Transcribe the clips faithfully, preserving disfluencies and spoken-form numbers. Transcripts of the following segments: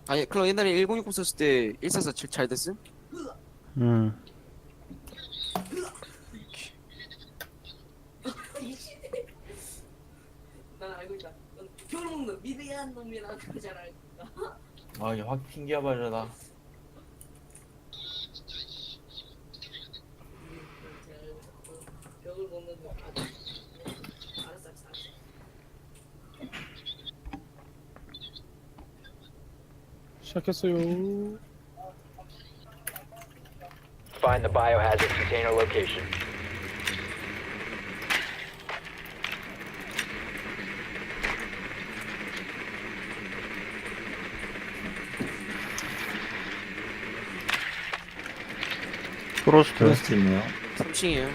아니 클럽 옛날에 일공육공 썼을 때 일사사칠 잘 됐음? 음. 난 알고 있다. 넌 표를 먹는 미대한 놈이라는 거잘 알고 있다. 아, 이확 튕겨버려라. 벽을 먹는 놈. 알았어, 알았어, 알았어. 시작했어요. Find the biohazard container location. 프로스트. 프로스트 있네요. 삼 층이에요.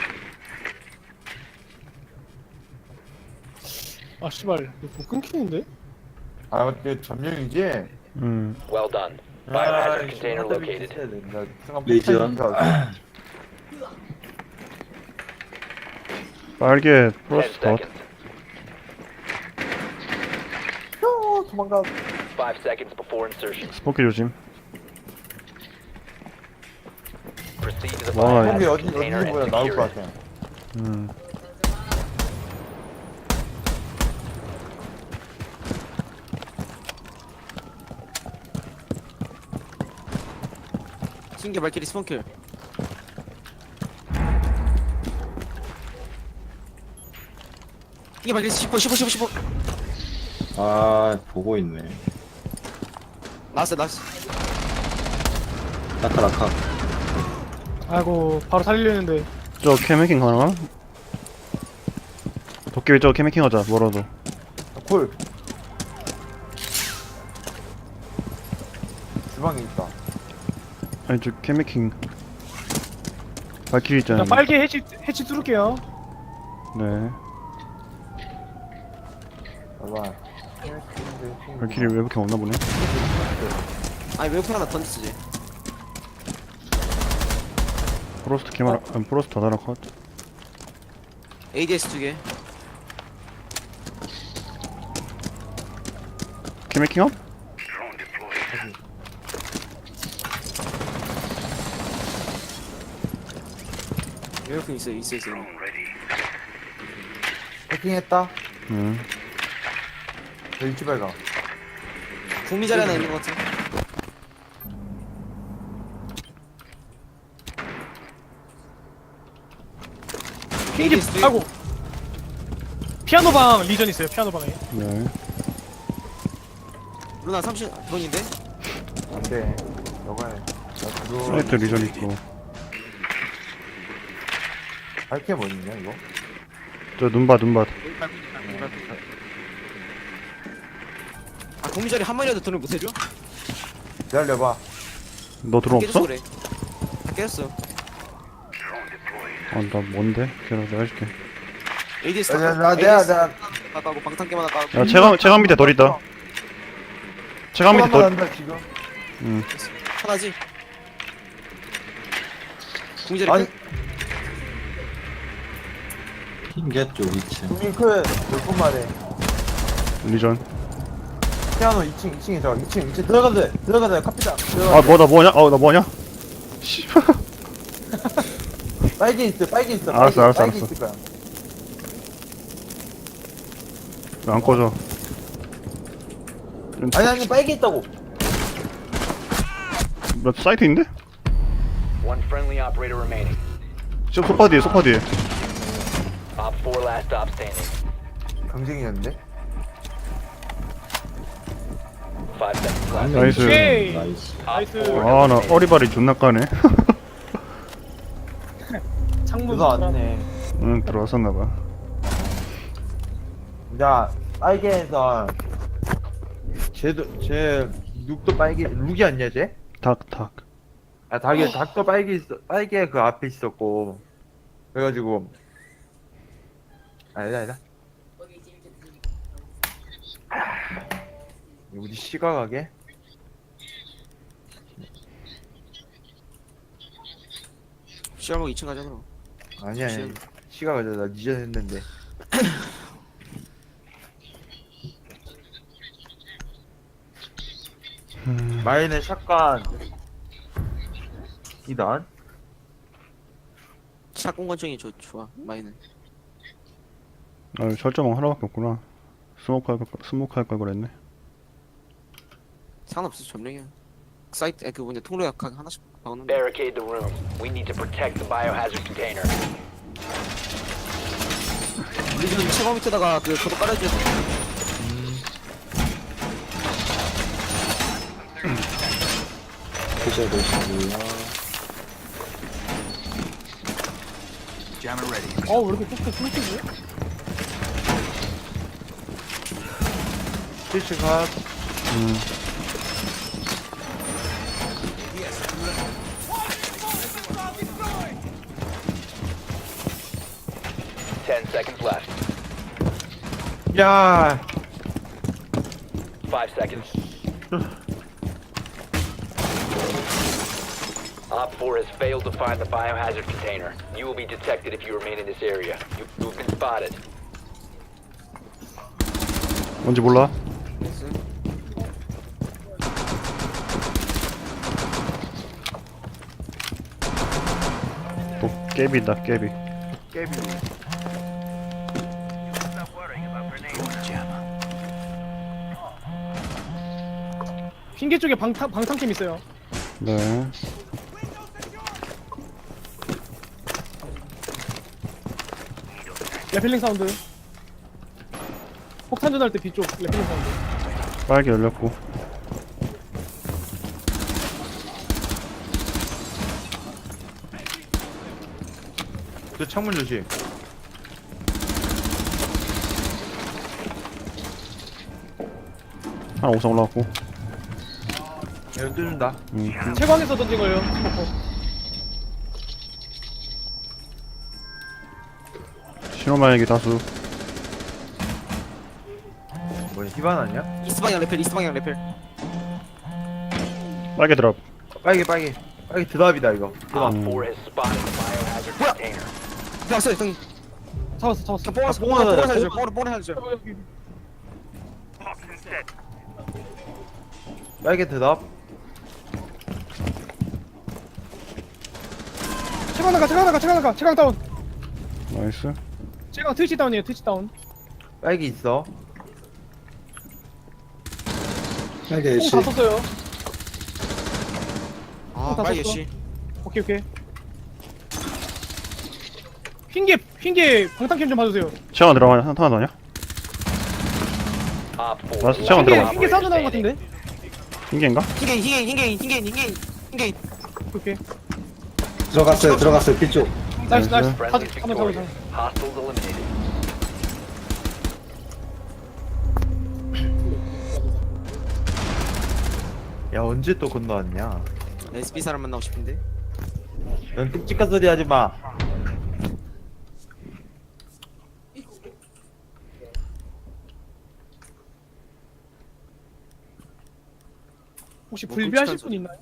아 씨발 이거 뭐 끊기는데? 아, 어때 점령이지? 음. Well done. 아, Biohazard container located. 레이저. 빨개 Ten 프로스트 덧. seconds. 어, 도망가. Five seconds before insertion. 스포키 조심. Proceed to the 와, 거기 biohazard 어디 container 어디서 and 보여 나올 secure 것 it. 같아. 음. 신기 발키리 스폰킬. 신기 발키리 십오, 십오, 십오, 십오. 아, 보고 있네. 나왔어, 나왔어. 라카, 라카. 아이고 바로 살리려는데. 저 캐메킹 가능함? 도깨비 저 캐메킹 하자 뭐라도. 콜. 주방에 있다. 아니 저 캐메킹. 발키리 있잖아요. 그냥 빨개 해치 해치 뚫을게요. 네. 봐봐. 발키리 왜 이렇게 없나 보네. 아니 웨이프 하나 던졌지. 프로스트 캐마라. 아, 프로스트 다 달아 컷. 에이디에스 두 개. 캐메킹 업? 웨이프 있어, 있어, 있어. 해킹했다. 음. 저 일주발 가. 국미 자리 하나 있는 것 같아. 케이지 에이디에스 아이고. 피아노 방 리전 있어요. 피아노 방에. 네. 루나 삼십 드론인데? 안 돼. 너가 해. 나 그거 사이트 리전 있고. 밝게 뭐있냐 이거? 저 눈밭 눈밭. 아 국미 자리 한 마리라도 드론 못 해줘? 기다려봐. 너 드론 깨졌어 없어? 그래. 다 깨졌어. 아 나 뭔데? 걔랑 내가 해줄게. 에이디에스 야, 야, 나 내가 내가 다 까고 방탄깨만 하나 까고. 야 체감 체감 밑에 덜 있다. 체감 밑에 소감만 덜. 한다 지금. 음. 하나지. 국미 자리 아니 끝? 흰get죠, 위치. 국민클 몇분 만에 리전. 피아노 이 층 이 층에 저 이 층 이 층 들어가도 돼 들어가도 돼 카피다. 아 뭐 나 뭐냐? 어나 뭐냐? 씨발. 빨개 있어 빨개 있어. 알았어, 빨개, 알았어, 빨개 알았어. 있을 거야. 왜 안 꺼져? 아니 아니 빨개 있다고. 나 사이트 있는데? One friendly operator remaining. 저 소파 뒤에 소파 뒤에. Op four last stop standing. 경쟁이었는데. Five seconds 한 left. 명 나이스. 오케이. 나이스. Op 나이스. four 아 나 eliminated. 어리바리 존나 까네. 창문. 그거 안네. 응 들어왔었나봐. 자 빨개에서 쟤도 쟤 룩도 빨개 룩이 아니야 쟤? 닭 닭. 아 닭이 닭도 빨개 있어 빨개 그 앞에 있었고 그래가지고 아니다 아니다. 우리 시각하게 시작하고 이 층 가자 그럼. 아니야 아니야 시각하자 나 니전 했는데 마이는 샷건 이단 샷건 권총이 좋, 좋아 마이는. 아 설정 하나밖에 없구나. 스모크 할 걸, 스모크 할 걸 그랬네. 상관없어 점령이야. 사이트 에, 그 뭐냐 통로 약하게 하나씩 박았는데. Barricade the room. We need to protect the biohazard container. 리전 최고 밑에다가 그 저도 깔아주세요. 표절 보시고요. 어, 왜 이렇게 뚝뚝 끊기지? 스위치 컷 음. Ten seconds left. 야 Five seconds. Op four has failed to find the biohazard container. You will be detected if you remain in this area. You, you've been spotted. 뭔지 몰라. 또 깨비다 깨비. 게임 핑계 쪽에 방탄 방탄캠 있어요. 네. 레펠링 사운드. 폭탄 전할 때 뒤쪽 레펠링 사운드. 빨개 열렸고. 저 창문 조심 하나 옥상 올라갔고. 이거 뚫는다 음. 채광에서 던진 거예요. 스모커. 신호마약이 다수. 뭐야 히반 아니야? 이스트 방향 레펠 이스트 방향 레펠. 빨개 드랍. 빨개 빨개 빨개 드랍이다 이거 드랍 음. Op four has spotted the biohazard container. 왔어요 형님. 잡았어, 잡았어. 뽕 뽕 뽕 하나 살려줘. 뽕 뽕 살려줘. 여기, 여기. 빨개 드랍 채광 나가, 채광 나가, 채광 나가, 채광 다운. 나이스. 채광 트위치 다운이에요, 트위치 다운. 빨개 있어 빨개 애쉬. 뽕다 썼어요. 아 다 빨리 썼어. 씨. 오케이, 오케이. 핑계, 핑계 방탄캠 좀 봐주세요. 채원 들어가냐? 하나 더 아니야? Op four. 맞아, 채원 핑계, 들어가. 핑계 사운드 나온 것 같은데? 핑계인가? 흰게 흰게 흰게 흰게 흰게 흰게. 오케이. 들어갔어요. 들어갔어요. B쪽. 나이스, 나이스. Friendly 가자, 한번 잡아줘. victorious. Hostiles eliminated. 야 언제 또 건너왔냐 에스피 사람 만나고 싶은데. 넌 끔찍한 소리 하지마 혹시 뭐 불비하실 끔찍한 분 있나요?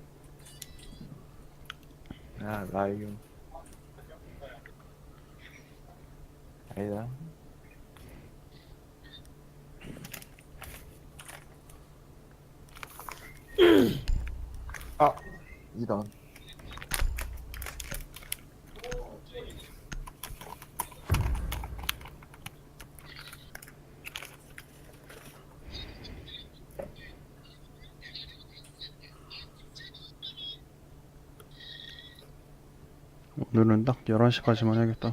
야 라이온 아니다 아 이단 오늘은 딱 열한 시까지만 해야겠다.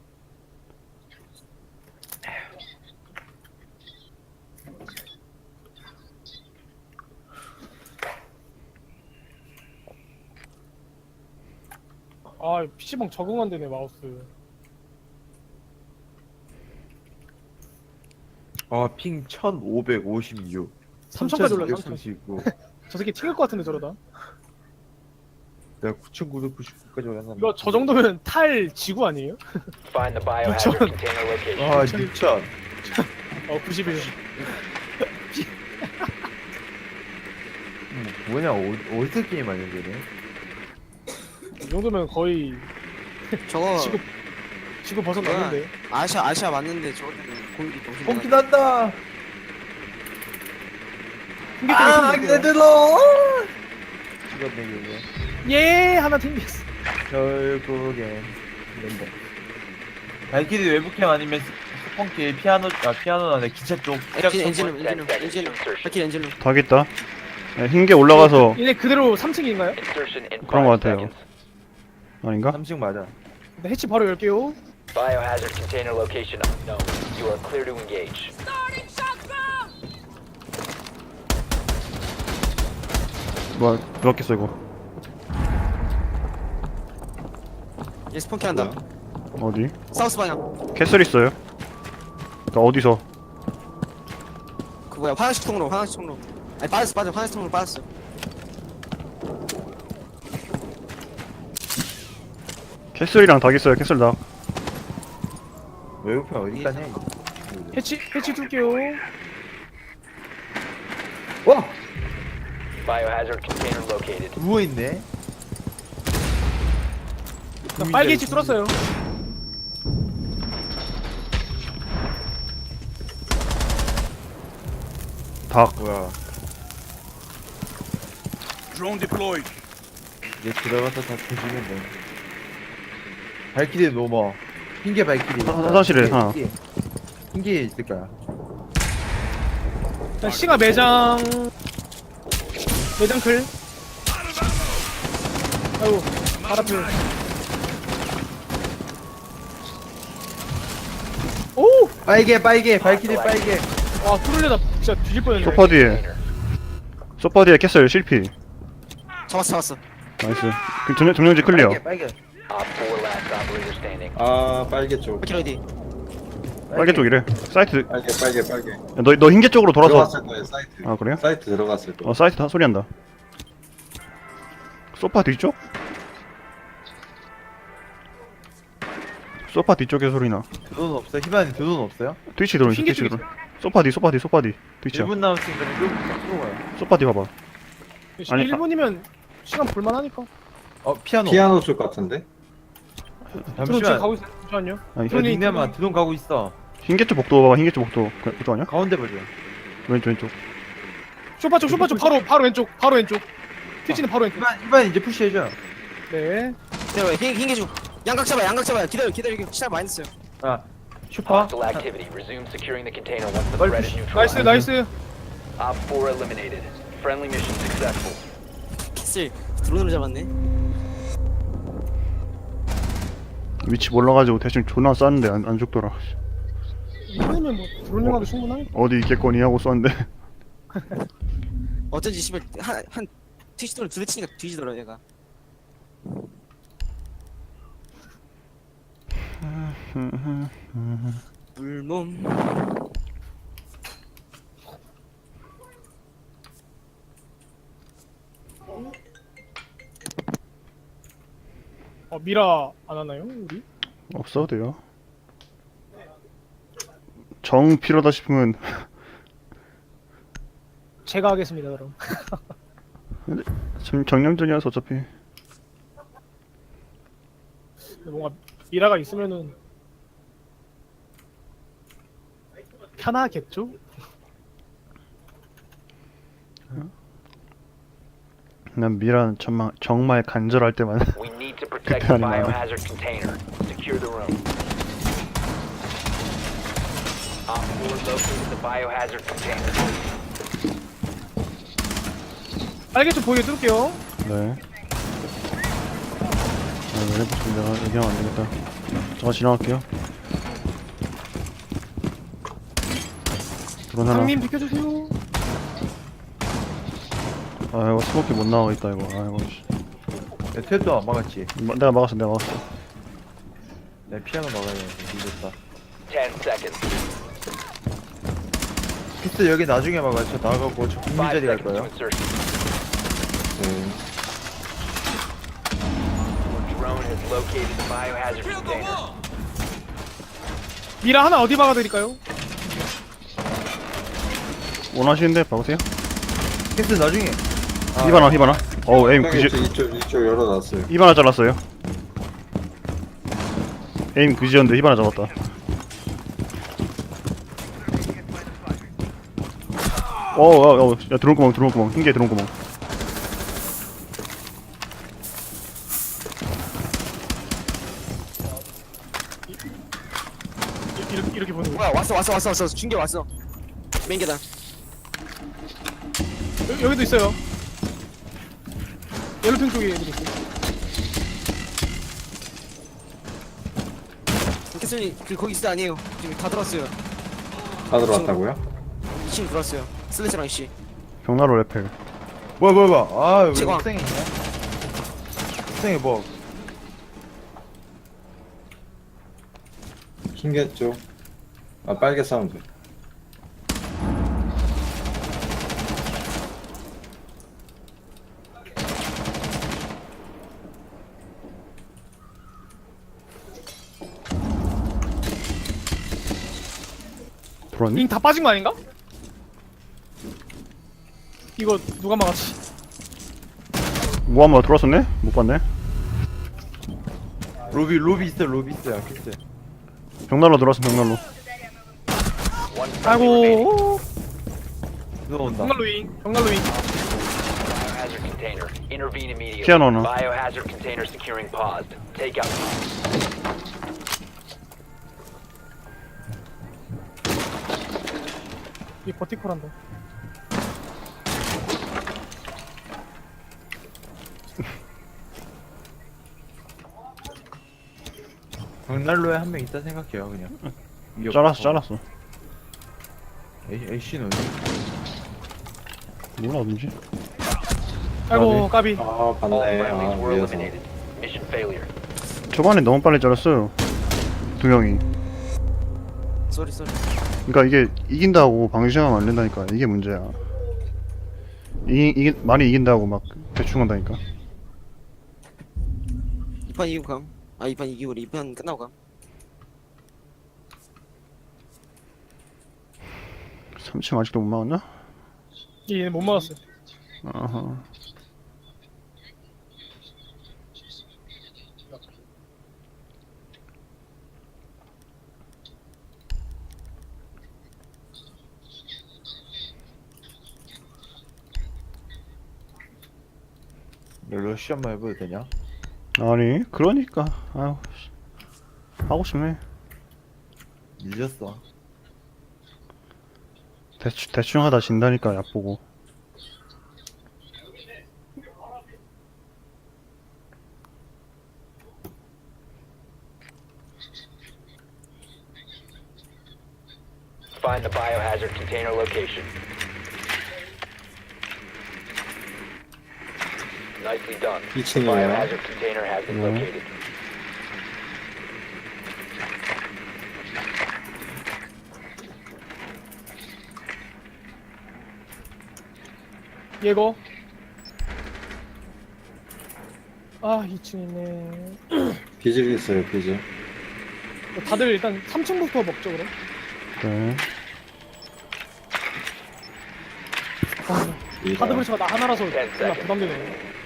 아, 피시방 적응 안 되네, 마우스. 아핑 천오백오십육 삼천까지 올랐어, 삼천. 삼천십구 저 새끼 튕길 것 같은데, 저러다. 내가 구천구백구십구까지 올랐나 이거 저 정도면 탈 지구 아니에요? Find the biohazard John. container location. 아 육천 어, 구십일. 음, 뭐냐 어, 어디서 게임하냐 걔네 이 정도면 거의 저거 지구, 지구 벗어났는데. 아시아 아시아 맞는데 저거 때문에 공기 너무 뽕기 난다 아, 튕겼어요. 그대로. 죽었네 이게. 예, 하나 튕겼어. 결국엔 멤버. 발키리 외부캠 아니면 스폰키 피아노 아 피아노 안에 기차 쪽. 엔진 엔진룸 엔진룸 엔진룸 발키리 엔진룸. 다 있다. 네, 흰게 올라가서 얘네 그대로 삼 층인가요? Insertion in 그런 거 five 같아요. seconds. 아닌가? 삼층 맞아. 네, 해치 바로 열게요. Biohazard container location unknown. You are clear to engage. 뭐야 누웠겠어 이거. 얘 스폰키 한다. 어디? 사우스 방향. 캐슬 있어요. 그니까 어디서? 그 뭐야 화장실 통로 화장실 통로. 아니 빠졌어 빠져 화장실 통로 빠졌어. 캐슬이랑 닭 있어요. 캐슬 닭. 외부캠 어디 가냐? 해치 해치 둘게요. 와 Biohazard container located. 누워 있네. 나 빨개 해치 뚫었어요. 닭. 뭐야? 얘 들어가서 다 조지면 돼. 발키리 노머. 흰개 발키리. 화- 화장실에 하나. 흰개. 흰개 있을 거야. 자, 시가 매장 매장 클. 아이고 발 앞에. 오! 빨개 빨개 발키리 빨개. 와 뚫으려다 진짜 뒤질 뻔했네. 소파 뒤에. 소파 뒤에 캐슬 실피. 잡았어 잡았어. 나이스. 그 점령, 점령지 클리어. 빨개 빨개. Op four last operator standing. 아 빨개 쪽. 발키리 어디? 빨개 쪽이래. 사이트. 빨개 빨개 빨개. 너 너 흰게 쪽으로 돌아서. 들어갔을 거예요 사이트. 아 그래요? 사이트 들어갔을 거. 어 사이트 다 소리 난다. 소파 뒤쪽? 소파 뒤쪽에 소리 나. 돈 없어? 희반이 돈 없어요? 트위치 들어오니 흰게 트위치 쪽에 들어. 소파 뒤 소파 뒤 소파 뒤. 트위치야. 일 분 남았으니까 좀 쏘고 가요. 소파 뒤 봐봐. 아니, 일 분이면 시간 볼만하니까. 어 피아노. 피아노 쪽 같은데? 드론 지금 잠시만. 가고 있어. 잠시만요. 아니 야, 드론이 닉네임아 드론 가고 있어. 흰게 쪽 복도 봐봐. 흰게 쪽 복도. 그, 그쪽 아니야? 가운데 보자. 왼쪽 왼쪽. 쇼파 쪽 쇼파 쪽 바로 바로 왼쪽 바로 왼쪽. 트위치는 바로 왼쪽. 희반 희반 이제 푸시해줘. 네. 기다려 흰 흰개 중. 양각 잡아 양각 잡아요. 기다려 기다려 이게 시간 많이 됐어요. 아 슈퍼. Hostile activity. Resume securing the container once the 빨리 threat is 나이스 neutralized. 나이스. Op four eliminated. Friendly mission successful. 캐슬 드론으로 잡았네. 위치 몰라가지고 대충 존나 쐈는데 안, 안 죽더라. 이번이면 뭐 드론 영화도 충분하니까. 어디 있겠거니 하고 쐈는데. 어쩐지 씨발 한한 트위치돈을 두대 치니까 뒤지더라 얘가. 물몸. 어 미라 안 하나요 우리? 없어도 돼요. 정 필요하다 싶으면 제가 하겠습니다 그럼. 정, 정령전이라서 어차피. 근데 뭔가 미라가 있으면은 편하겠죠? 난 미란 정말 정말 간절할 때만. We need to protect the Good timing, man. biohazard container. Secure the room. Op four located the biohazard container. 빨개 좀 보이게 뚫을게요. 네. 아, 왜 해보시면 내가 얘기하면 안 되겠다. 저가 지나갈게요. 드론 하나. 상님 비켜주세요. 아 이거 스모키 못 나가고 있다 이거. 아 이거. 씨. 내 퇴도 안 막았지. 마- 내가 막았어 내가 막았어. 내 피아노 막아야 돼. 늦었다. Ten seconds. 피스 여기 나중에 막아. 저 나가고 저 국민 Five 자리 갈 seconds to 거예요. insertion. 네. Your drone has located the biohazard container. 미라 하나 어디 박아드릴까요? 원하시는데 박으세요. 피스 나중에. 아, 이바나 이바나. 어우 에임 형이 그지. 이쪽 이쪽 열어놨어요. 이바나 잘랐어요. 에임 그지였는데 이바나 잡았다. 어어어 야 들어온 구멍 들어온 구멍 흰개 들어온 구멍. 이- 이렇게 이렇게 보는 거. 뭐야 왔어 왔어 왔어 왔어 중계 왔어. 메인 계단. 여, 여기도 있어요. 옐로핑 쪽에 애들 있어. 캐슬님 그 거기 있을 때 아니에요. 지금 다 들었어요. 다 들어왔다고요? 이 층 들었어요. 슬래시랑 이씨. 벽난로 레펠. 뭐야 뭐야 뭐야. 아 여기 제광. 옥상에 있네. 옥상에 뭐. 흰개 쪽. 아 빨개 사운드. 들어왔니? 링 다 빠진 거 아닌가? 이거 누가 막았지? 뭐 한번 들어왔었네? 못 봤네. 로비 로비 있어 로비 있어요. 글쎄. 벽난로 들어왔어 벽난로. One friendly remaining. 아이고. 들어온다. 벽난로 윙. 벽난로 윙. Biohazard container. Intervene immediately. 피아노 하나. Biohazard container securing paused. Take out. 이 버티컬한다. 벽난로에 한 명 있다 생각해요 그냥. 잘랐어 잘랐어. 애쉬는 몰라 어딘지. 아이고 까비. 아 All 봤네. friendlies 아 were 위에서. eliminated. Mission failure. 초반에 너무 빨리 잘랐어요. 두 명이. 쏘리 쏘리. 그러니까 이게 이긴다고 방심하면 안 된다니까. 이게 문제야. 이 이게 많이 이긴다고 막 대충 한다니까. 이 판 이기고 감. 아 이 판 이기고 이 판 끝나고 감. 삼 층 아직도 못 막았나? 얘는 못 막았어. 아하. 러쉬 한번 해봐도 되냐? 아니 그러니까 아유 씨. 하고 싶네. 늦었어. 대충 대충 하다 진다니까 약 보고. Find the biohazard container location. Nicely done. The 이 층이에요. biohazard container has been 네. located. 얘거. 아 이 층 있네. 비질 있어요 비질. 다들 일단 삼 층부터 먹죠 그럼. 네. 아, 이가. 카드 브리츠가 나 하나라서 존나 부담되네.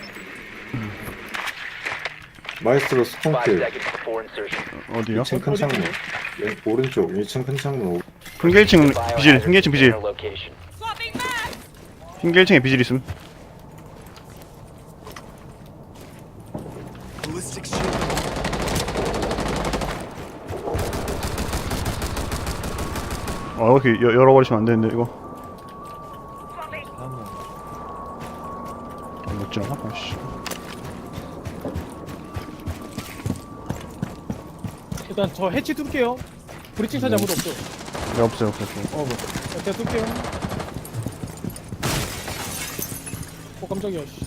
마이스트로 Five 스폰킬. seconds before insertion. 어디요? 이 층 큰 창문. 왼- 오른쪽 이 층 큰 창문. 오- 흰개 일 층 비질. Biohazard 흰개 일 층 비질. container location. 흰개 일 층에 비질 있음. 아 이렇게 여- 열어버리시면 안 되는데 이거. 아 못지 않아? 아씨. 일단 저 해치 뚫게요. 브리칭 차지 아무도 없죠. 네 없어요 없어요. 어 뭐. 제가 뚫게요. 어 깜짝이야. 씨.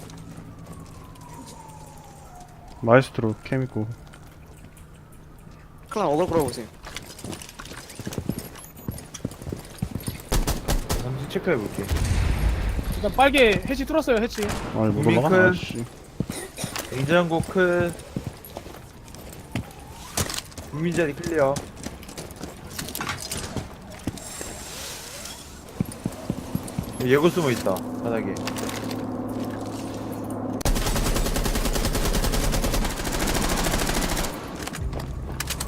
마에스트로 캠 있고. 클랑 어글 끌어보세요. 잠시 체크해볼게. 일단 빨개 해치 뚫었어요 해치. 아니 못 윙크. 올라가? 아씨. 냉장고 큰. 국민자리 클리어. 예고 숨어 있다 바닥에.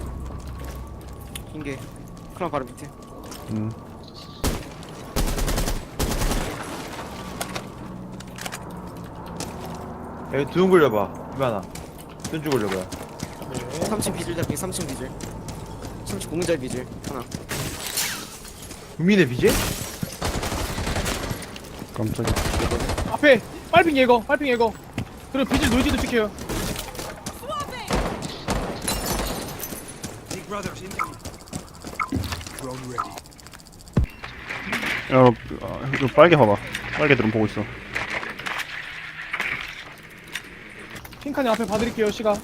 흰게 클랑 바로 밑에. 음. 여기 두둥 굴려봐. 이만아. 뜬주 굴려봐. 삼 층 비질 잡기 삼 층 비질 삼 층 공인잘 비질 하나 국민의 비제? 깜짝이야. 앞에 빨핑 예거 빨핑 예거 그리고 비질 노이즈도 찍혀요. 야, 어, 이거 빨개 봐봐. 빨개들은 보고 있어. 핑카님 앞에 봐드릴게요. 시각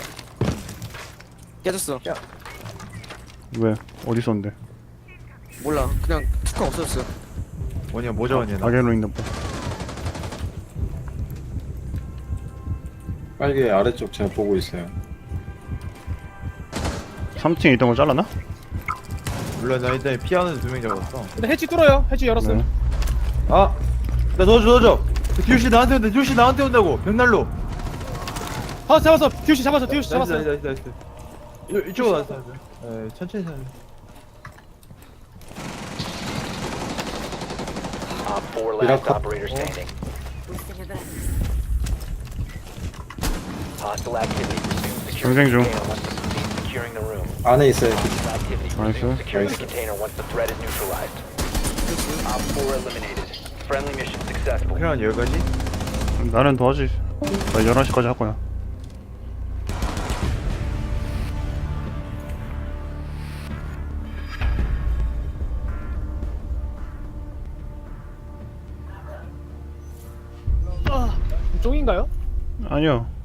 깨졌어 왜? 어디 있었는데? 몰라 그냥 투카 없어졌어 뭐냐 모자 원이야 나. 가게로 있나 보다. 빨개 아래쪽 제가 보고 있어요. 삼 층에 있던 거 잘랐나? 몰라 나 일단 피아노 두 명 잡았어. 근데 해치 뚫어요. 해치 열었어요. 네. 아! 나 넣어줘 넣어줘! 디오씨 나한테 온다 디오씨 나한테 온다고! 벽난로! 잡았어 잡았어. 디오씨 잡았어. 디오씨 나이스 잡았어. 나이스 나이스 나이스. 이- 이쪽으로 나왔어. 에 천천히 천천히. Op four last Miracle. operator standing. Hostile activity. Resume 경쟁 securing 중. the container once the proceed securing the room. 안에 있어요. Activity. Nice, Resume sir. securing the Nice. container once the threat is neutralized. Op four eliminated. Friendly mission successful. 그냥 여기까지? 나는 더 하지. 나 열한 시까지 할 거야. 아, 종인가요? 아니요.